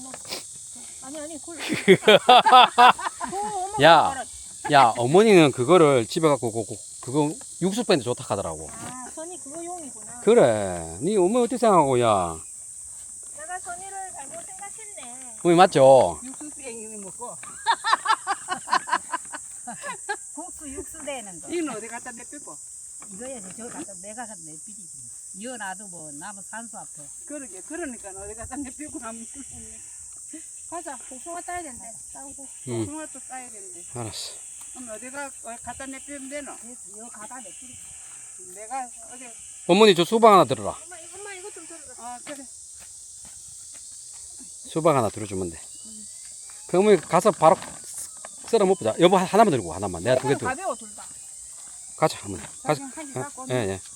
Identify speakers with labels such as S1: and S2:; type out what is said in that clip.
S1: 아니
S2: 야, 야, 어머니는 그거를 집에 갖고 그거 육수 빼는데 좋다 하더라고.
S1: 아, 선이 그거 용이구나.
S2: 그래. 니 어머니 어떻게 생각하고, 야.
S1: 내가 선이를 잘못 생각했네.
S2: 어머니 맞죠?
S3: 육수 땡기는 먹고.
S4: 국수 육수 되는 거.
S3: 이건 어디 갖다 내빼고.
S4: 이거야지 저 갖다 내가 갖다 내비리지. 이어놔도 뭐 나무 산소 앞에.
S3: 그러게. 그러니까 어디 갖다 내빼고 하면
S1: 가자. 복숭아 따야 된대. 따고.
S2: 응,
S3: 통화도 따야 되는데.
S2: 알았어.
S3: 그럼 어디가 갖다 내빼면 되노?
S4: 이거 갖다 내비리.
S3: 내가 어디
S2: 어머니 저 수박 하나 들어라.
S1: 엄마 이거 좀 들어라.
S3: 아 그래.
S2: 수박 하나 들어주면 돼. 그 어머니 가서 바로 썰어 먹자. 여보 하나만 들고 하나만. 내가 두 개 들고.
S3: 가벼워 둘 다.
S2: 가자 어머니. 가자.
S3: 자기 한개
S2: 어?
S3: 갖고.
S2: 예, 예.